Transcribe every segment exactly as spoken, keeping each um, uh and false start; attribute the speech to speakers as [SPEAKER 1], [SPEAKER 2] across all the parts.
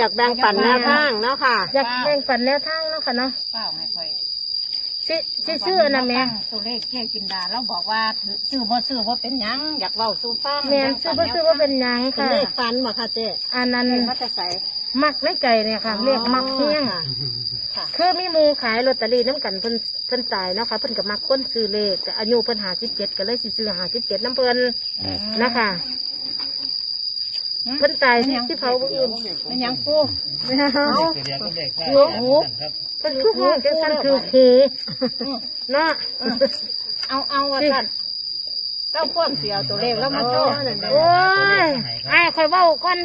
[SPEAKER 1] อยากแบ่งปันแนวทางเนาะค่ะ
[SPEAKER 2] อยากแบ่งปันแนวทางเนาะค่ะเนาะ
[SPEAKER 3] เปล่าให้ค่อย
[SPEAKER 2] สิสิซื้ออันนั้นแม่
[SPEAKER 3] ตัวเลขเจ๊กินดาเราบอกว่าซื้อบ่ซื้อบ่เป็นหยังอยากเว้าสู่ฟัง
[SPEAKER 2] แม่ซื้อบ่ซื้อว่าเป็นหยังค่ะ
[SPEAKER 1] เลขฟันบ่ค่ะเจ๊
[SPEAKER 2] อันนั้น
[SPEAKER 3] มันจะใส่
[SPEAKER 2] มักไม่ไก่เนี่ยค่ะเรียกมักเฮี้ยงคือมีหมูขายลอตเตอรี่น้ำกันเพิ่นเพิ่นตายเนาะค่ะเพิ่นกับมักคนซื้อเลขแต่อายุเพิ่นหาสิบเจ็ดก็เลยสิซื้อหาสิบเจ็ดน้ำเพิ่นนะคะเพิ่นตายที่เผาบุญอื่น
[SPEAKER 3] เป็นหยังปู
[SPEAKER 2] เอาหัวหูเพิ่นคือหูจังซั่นคือหูเนาะ
[SPEAKER 3] เอาเอาว่าซั่นเจ้าพ่วงเสียตัวเลขแล้วมาโชว์
[SPEAKER 2] โอ้ยไอ้ค่อยเว้าก่อน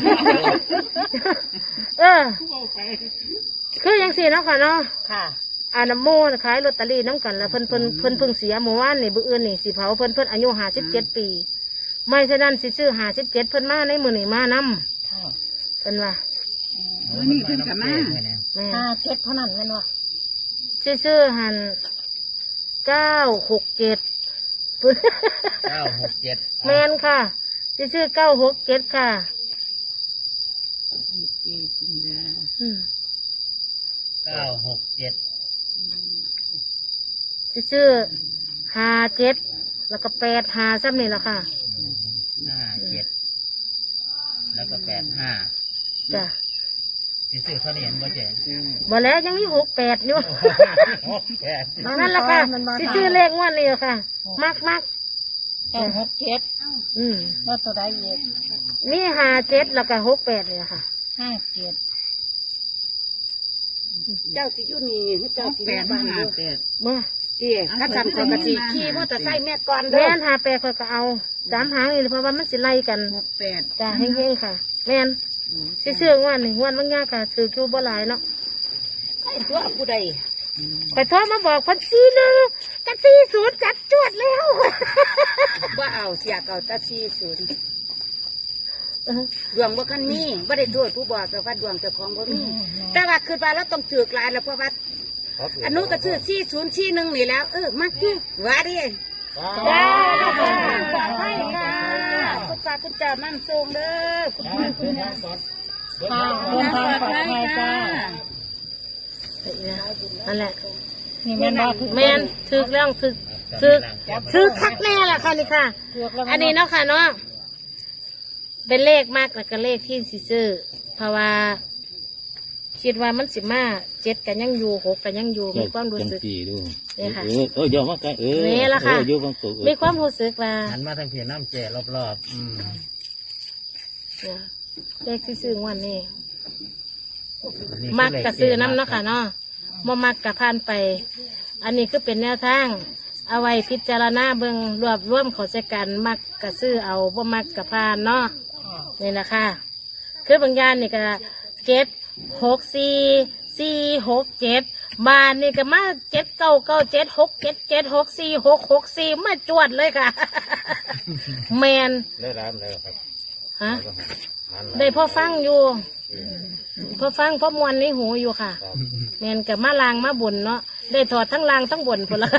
[SPEAKER 2] เออคือยังสี่เนาะค่ะเนาะ
[SPEAKER 3] ค่ะ
[SPEAKER 2] อาน้ำโมขายลอตเตอรี่น้ำกันแล้วเพิ่นเพิ่นเพิ่นเพิ่งเสียเมื่อวานนี่บื้ออื่นนี่สิเผาเพิ่นเพิ่นอายุห้าสิบเจ็ดปีไม่ฉะนั้นสิซื้อห้าสิบเจ็ดเพิ่นมาในมือนี่มานำเพิ่นว่า
[SPEAKER 3] นี่เพิ่นกับมาห้าเจ็ดเท่านั้นแม่นว่า
[SPEAKER 2] ซื้อซื้อหันเก้าหกเจ็ด
[SPEAKER 4] เก้าหกเจ็ด
[SPEAKER 2] แมนค่ะซื้อซื้อเก้าหกเจ็ดค่ะ
[SPEAKER 4] เก้าหกเจ็ด
[SPEAKER 2] ซื้อห้าเจ็ดแล้วก็แปดห้าซ้ำนี่แหละค่ะ
[SPEAKER 4] ห้าเจ็ดแล้วก็แปดห้า
[SPEAKER 2] จ้ะ
[SPEAKER 4] ซื้อเขาเห็นบ่เจ๊
[SPEAKER 2] บ่แล้วยังมีหกแปดอยู่นั่นแหละค่ะซื้อเลขงวดนี้ค่ะมักมัก
[SPEAKER 3] เก้าหกเจ็ด
[SPEAKER 2] อืม
[SPEAKER 3] แล้วตัวใดเย็ด
[SPEAKER 2] มีห้าเจ็ดแล้วก็หกแปดเลยค่ะ
[SPEAKER 3] ห้าเจ็ด
[SPEAKER 1] เจ้าสิยุ่นี่เจ้าสิ
[SPEAKER 3] แปดห้าแปด
[SPEAKER 2] มา
[SPEAKER 1] เจ๊ข้าทำคนกะทิขี่มอเตอร์ไซค์แม่ก่อน
[SPEAKER 2] แม่นหาแปดก็เอาสามหางนี่เพราะว่ามันสิไล่กัน
[SPEAKER 3] หกแปด
[SPEAKER 2] จ้าเฮงๆค่ะแม่นสิซื้อวันหนึ่งวันบางอย่างค่ะซื้อคิวบ่หลายเนาะ
[SPEAKER 1] ไอ้ตัวผู้ใด
[SPEAKER 2] ไปโทรมาบอกพันซีหนึ่งจัดซีศูนย์จัดจวดแล้ว
[SPEAKER 1] ว่าเอาเสียเก่าตัดซีศูนย์ดวงบ่คันมีบ่ได้โทษผู้บอกแต่ว่าดวงเจ้าของบ่มีแต่ว่าคือว่าเราต้องถือกลายแล้วเพราะว่าอันนู้นก็ซื้อซีศูนย์ซีหนึ่งนี่แล้วเออมาที่ว่าดิจ้าให้ค่ะคุณตาคุณจ่ามั่นทรงเด้อคุณยาย
[SPEAKER 3] ค่ะเดินทางปลอดภัยจ้า
[SPEAKER 2] นั่นแหละ
[SPEAKER 3] นี่แม่นบ่
[SPEAKER 2] แม่นถึกแล้วถึกถึกถึกคักแน่แหละค่ะนี่ค่ะอันนี้เนาะค่ะเนาะเป็นเลขมากแล้วก็เลขที่สิซื้อเพราะว่าคิดว่ามันสิมาเจ็ดกันยังอยู่หกกันยังอยู่มีความรู้สึกนี่ค่ะ
[SPEAKER 4] เออเยอะมากเลยเออ
[SPEAKER 2] นี่ละค่ะมีความรู้สึกว่า
[SPEAKER 4] หันมาทางเพียน้ำเจรอบๆอืม
[SPEAKER 2] เลขที่ซื้อวันนี้มักกะซื้อน้ำเนาะค่ะเนาะบ่มักกะผ่านไปอันนี้คือเป็นแนวทางเอาไว้พิจารณาเบิ่งรวบรวมขอใช้กันมักกะซื้อเอาบ่มักกะผ่านเนาะนี่นะคะคือบางอย่างนี่ก็เจ็ดหกสี่สี่หกเจ็ดบานนี่ก็มาเจ็ดเก้าเก้าเจ็ดหกเจ็ดเจ็ดหกสี่หกหกสี่มาจวดเลยค่ะแมน
[SPEAKER 4] ได้ร้านเลยครับ
[SPEAKER 2] ฮะได้พ่อฟังอยู่พ่อฟังพ่อมวนในหูอยู่ค่ะแมนกับมาลางมาบุญเนาะได้ถอดทั้งลางทั้งบุญพอละ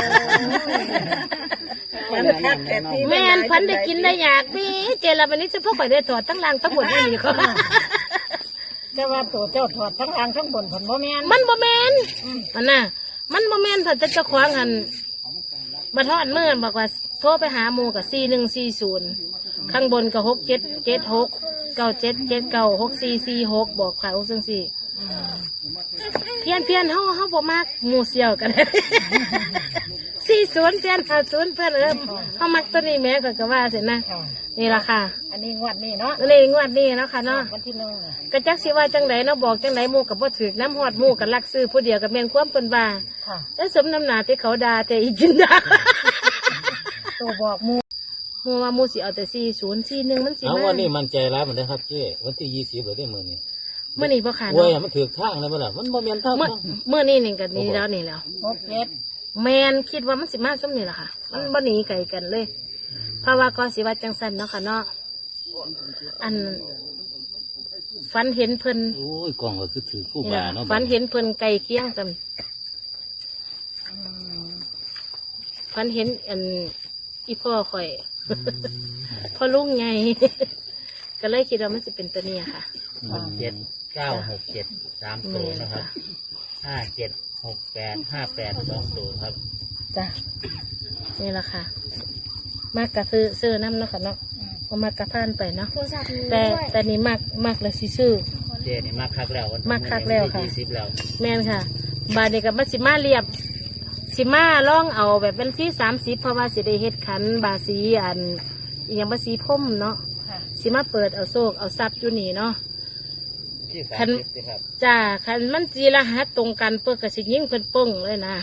[SPEAKER 2] แม่นพันได้กินได้อยากพี่เจริญวันนี้จะพวกข่อยได้ถอดทั้งลางทั้งบุญนี่นี่เขา
[SPEAKER 3] แต่ว่าตัวเจ้าถอดทั้งลางทั้งบุญผลบ่แม่น
[SPEAKER 2] มันบ่แม่นมันน่ะมันบ่แม่นถ้าจะเจ้าของหันมาทอดเมื่อบอกว่าโทรไปหาหมูกับสี่หนึ่งสี่ศูนย์ข้างบนกับหกเจ็ดเจ็ดหกเก้าเจ็ดเจ็ดเก้าหกสี่สี่หกบอกขายหกซึ่งสี่เพียนเพียนเฮาเฮาบ่มากหมูเสี่ยวกันสี่ศูนย์เพียนห้าศูนย์เพื่อนเอิมเฮามักตัวนี้แม่ก็ก็ว่าเสร็จนะนี่ล่ะค่ะ
[SPEAKER 3] อันนี้งวดนี้เนาะ
[SPEAKER 2] นี่งวดนี้เนาะค่ะเนาะ
[SPEAKER 3] วันที่หนึ่ง
[SPEAKER 2] กระจักสิว่าจังไหนเนาะบอกจังไหนหมูกับบ่ถือน้ำหอดหมูกับลักซื้อผู้เดียวกับแม่นความเปิ้นว่าแล้วสมน้ำหนาที่เขาด่าแต่อีกินด่า
[SPEAKER 3] ตัวบอกหมู
[SPEAKER 2] หมูว่าหมูสิเอาแต่สี่ศูนย์สี่หนึ่งมันสิ
[SPEAKER 4] มาวันนี้มันใจร้ายเหมือนเดิมครับเจ้วันที่ยี่สิบหรือได้เมื่อนี้
[SPEAKER 2] เมื่อนี้บ่ขาด
[SPEAKER 4] เว้ยมันถือทางเลยมั้งล่ะมันบ่แม่นทาง
[SPEAKER 2] เมื่อเมื่อนี้นี่กันนี่แล้วนี่แล้ว
[SPEAKER 3] หกเจ็ด
[SPEAKER 2] แมนคิดว่ามันสิมาซ้ำนี่แหละค่ะมันบ่หนีไกลกันเลยเพราะว่าก็สิว่าจังสันเนาะค่ะเนาะอันฝันเห็นเพิ่น
[SPEAKER 4] โอ้ยกองก็คือถือคู่บาเนาะ
[SPEAKER 2] ฝันเห็นเพิ่นไก่เคียงซ้ำฝันเห็นอันอีพ่อข่อยพ่อลุงไงก็เลยคิดว่ามันจะเป็นตัวนี้ค่ะ
[SPEAKER 4] หกเจ็ดเก้าหกเจ็ดสามตัวนะครับห้าเจ็ดหกแปดห้าแปดสองตัวครับ
[SPEAKER 2] จ้ะนี่แหละค่ะ มากกะซื้อซื้อน้ำเนาะค่ะเนาะเอามากกะพานไปเนาะ
[SPEAKER 1] โทรศัพท์มี
[SPEAKER 2] แต่
[SPEAKER 1] ด้วย
[SPEAKER 2] แต่นี่มากมากเลยสิซื้อ
[SPEAKER 4] เจนี่มากคักแล้ว
[SPEAKER 2] มากคักแล้วค่ะ
[SPEAKER 4] ยี่สิบแล้ว
[SPEAKER 2] แม่นค่ะ บาดนี้กับมาสิมาเรียบ สิมาล่องเอาแบบเป็นที่สามสิบเพราะว่าสิได้เฮ็ดขันบาสีอันอหย่างบาสีพ่มเนาะ
[SPEAKER 3] ค่ะ
[SPEAKER 2] สิมาเปิดเอาโซกเอาซับอยู่นี่เนาะ
[SPEAKER 4] ที่สาม
[SPEAKER 2] คัน
[SPEAKER 4] สิบสิครับ
[SPEAKER 2] จ้าคันมันจีรหัสตรงกันเปิดกระสิยิ่งเพิ่นปึ้งเลยนะ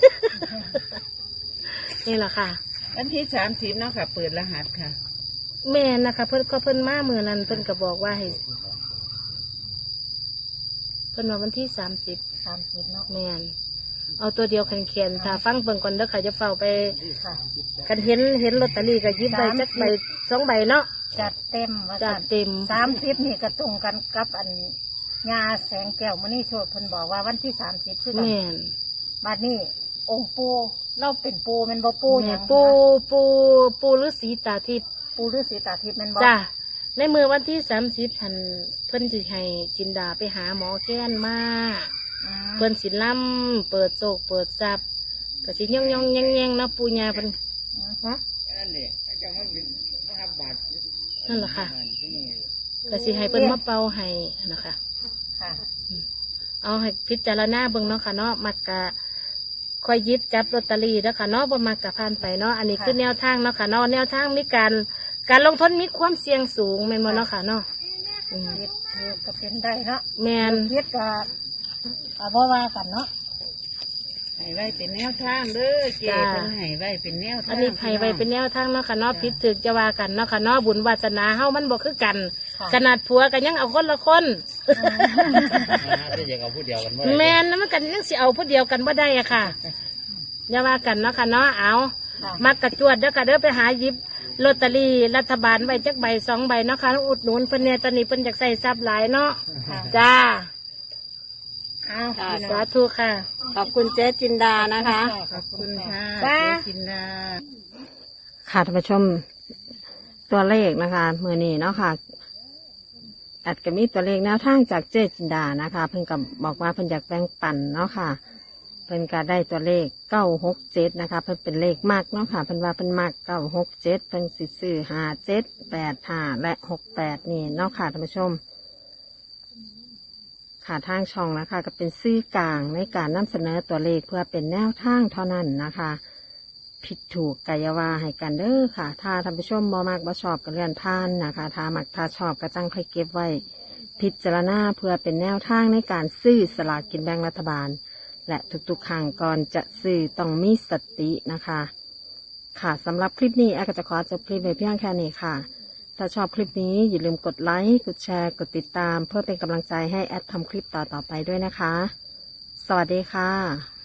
[SPEAKER 2] นี่แหละค่ะ
[SPEAKER 5] วันที่สามสิบเนาะค่ะ เปิดรหัสค่ะ
[SPEAKER 2] แม่นนะคะเพิ่นก็เพิ่นมาเมื่อนั้นเพิ่นก็บอกว่าให้เพิ่นว่าวันที่สามสิบ
[SPEAKER 3] สามสิบเนาะ
[SPEAKER 2] แม่นเอาตัวเดียวคันเขียนถ้าฟังเบิ่งก่อนเด้อค่ะจะเฝ้าไป
[SPEAKER 3] ค่ะ
[SPEAKER 2] กันเห็นเห็นลอตเตอรี่ก็หยิบใบจักใบสองใบเนาะ
[SPEAKER 3] จัดเต็มว่า
[SPEAKER 2] จัด
[SPEAKER 3] สั่น
[SPEAKER 2] เต็ม
[SPEAKER 3] สามสิบนี่ก็ตรงกันกับอันงาแสงแก้วมณีโชตเพิ่นบอกว่าวันที่สามสิบคือกัน
[SPEAKER 2] แม่น
[SPEAKER 3] บัดนี้องค์ปูเราเป็นปูแมันบ่ปูห
[SPEAKER 2] แม่
[SPEAKER 3] ยั
[SPEAKER 2] น
[SPEAKER 3] ง
[SPEAKER 2] ปูปูปูฤาษีตาทิพย์
[SPEAKER 3] ปูฤาษีตาทิพย์แมันบ่
[SPEAKER 2] จ้าในมือวันที่สามสิบพันเพิ่นสิให้จินดาไปหาหมอแก้นมา
[SPEAKER 3] อืม
[SPEAKER 2] เพิ่นสิล่ำเปิดโศกเปิดซับก็สิย่องย่องแย่งแย่งเนาะปูญาเพิ่นฮะนั่นแหละค่ะก็สิให้เพิ่นมาเป่าให้นะคะ
[SPEAKER 3] ค่ะ
[SPEAKER 2] เอาให้พิจารณาเบิ่งเนาะค่ะเนาะมักกะคอยหยิบจับลอตเตอรี่แล้วค่ะเนาะบ่มักกะผ่านไปเนาะอันนี้คือแนวทางเนาะค่ะเนาะแนวทางมีการการลงทุนมีความเสี่ยงสูงแม่นบ่เนาะค่ะเนาะอืม
[SPEAKER 3] เฮ็ดเฮ็ดก็เป็นได้เนาะ
[SPEAKER 2] แม่น
[SPEAKER 3] เฮ็ดก็ก็บ่ว่ากันเนาะ
[SPEAKER 5] ให้ไว้เป็นแนวทางเด้อเจ๊เพิ่นให้ไว้เป็นแนวทาง
[SPEAKER 2] อันนี้ให้ไว้เป็นแนวทางเนาะค่ะเนาะผิดถึกจะว่ากันเนาะค่ะเนาะบุญวาสนาเฮามันบ่คือกัน
[SPEAKER 3] ค่ะ
[SPEAKER 2] ขนาดผัวก็ยังเอาคนละคน
[SPEAKER 4] ที่จะเอาผู้เดียวกัน
[SPEAKER 2] แม่นนะมันกันยังสิเอาผู้เดียวกันบ่ได้อะค่ะอย่าว่ากันเนาะค่ะเนาะเอา
[SPEAKER 3] ค่ะ
[SPEAKER 2] มักกระจวดเด้อค่ะเด้อไปหาหยิบลอตเตอรี่รัฐบาลไว้จักใบสองใบเนาะค่ะอุดหนุนเพิ่นเนี่ยตอนนี้เพิ่นอยากใส่ทรัพย์หลายเนาะ
[SPEAKER 3] ค่ะ
[SPEAKER 2] จ้า
[SPEAKER 3] เอา
[SPEAKER 1] ค่ะ
[SPEAKER 2] สาธุค่ะ
[SPEAKER 1] ขอบคุณเจ๊จินดานะคะ
[SPEAKER 5] ขอบคุณค่ะ
[SPEAKER 1] จ้า
[SPEAKER 5] เจ๊จินดา
[SPEAKER 6] ค่ะท่านผู้ชมตัวเลขนะคะมือนี้เนาะค่ะอัดก็มีตัวเลขแนวทางจากเจจินดานะคะ เพิ่นก็บอกว่าเพิ่นอยากแบ่งปันเนาะค่ะเพิ่นก็ได้ตัวเลขเก้าหกเจ็ดนะคะเพิ่นเป็นเลขมากเนาะค่ะเพิ่นว่าเพิ่นมากเก้าหกเจ็ดเพิ่นสิซื้อห้าเจ็ดแปดห้าและหกแปดนี่เนาะค่ะท่านผู้ชมค่ะทางช่องนะคะก็เป็นซื่อกลางในการนำเสนอตัวเลขเพื่อเป็นแนวทางเท่านั้นนะคะ ผิดถูกกายาวาให้กันเด้อค่ะ ถ้าท่านผู้ชมบ่มากบ่ชอบก็เลื่อนผ่านนะคะถ้ามักถ้าชอบก็จังค่อยเก็บไว้ พิจารณาเพื่อเป็นแนวทางในการซื้อสลากกินแบ่งรัฐบาล และทุกๆครั้งก่อนจะซื้อต้องมีสตินะคะ ค่ะสำหรับคลิปนี้แอร์ก็จะขอจบคลิปไว้เพียงแค่นี้ค่ะ ถ้าชอบคลิปนี้อย่าลืมกดไลค์กดแชร์กดติดตาม เพื่อเป็นกำลังใจให้แอดทำคลิปต่อๆไปด้วยนะคะ สวัสดีค่ะ